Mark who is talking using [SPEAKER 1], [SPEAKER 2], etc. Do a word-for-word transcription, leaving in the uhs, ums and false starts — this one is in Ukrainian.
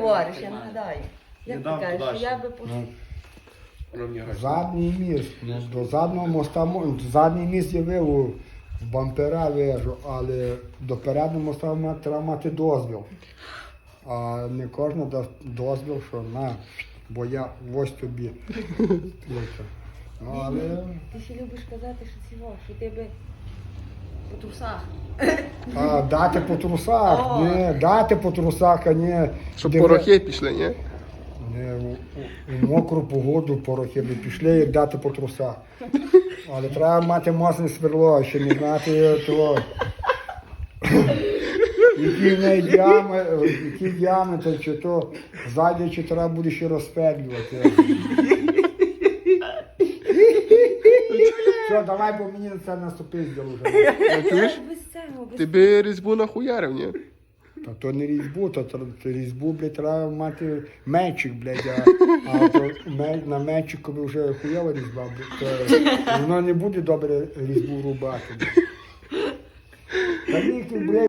[SPEAKER 1] говориш, я нагадаю. Як ти
[SPEAKER 2] дам
[SPEAKER 1] кажеш,
[SPEAKER 2] туди
[SPEAKER 1] що я
[SPEAKER 2] ще.
[SPEAKER 1] би по...
[SPEAKER 3] Ну,
[SPEAKER 2] Ровні гроші.
[SPEAKER 3] задній міст. Ну, до заднього моста, мо- задній міст є виву, в бампера вижу, але до переднього моста ма- треба мати дозвіл. А не кожен дасть дозвіл, що на, бо я ось тобі. Ключа. Ну, але
[SPEAKER 1] Ти ще любиш казати, що цього, що ти би по трусах.
[SPEAKER 3] а, дати по трусах,
[SPEAKER 1] О.
[SPEAKER 3] ні, дати по трусах, а не...
[SPEAKER 4] Щоб
[SPEAKER 3] диви-
[SPEAKER 4] порохи пішли, ні?
[SPEAKER 3] Не, у, у, у мокру погоду порохи би пішли, як дати по трусах. Але треба мати мощне сверло, ще не знати того. Які в неї ями, які ями, то чи то ззаді, чи треба буде ще розпетлювати. Все, давай, бо мені це наступить вже.
[SPEAKER 4] Чуєш?
[SPEAKER 1] Без цього, без...
[SPEAKER 4] Ти би різьбу нахуярив, ні?
[SPEAKER 3] Та то не різьбу, то тр- різьбу, блядь, треба мати мечик, блядь, а, а то ме- на мечику вже хуява різьба, блядь, то воно не буде добре різьбу рубати. Блядь. Та ні, блядь.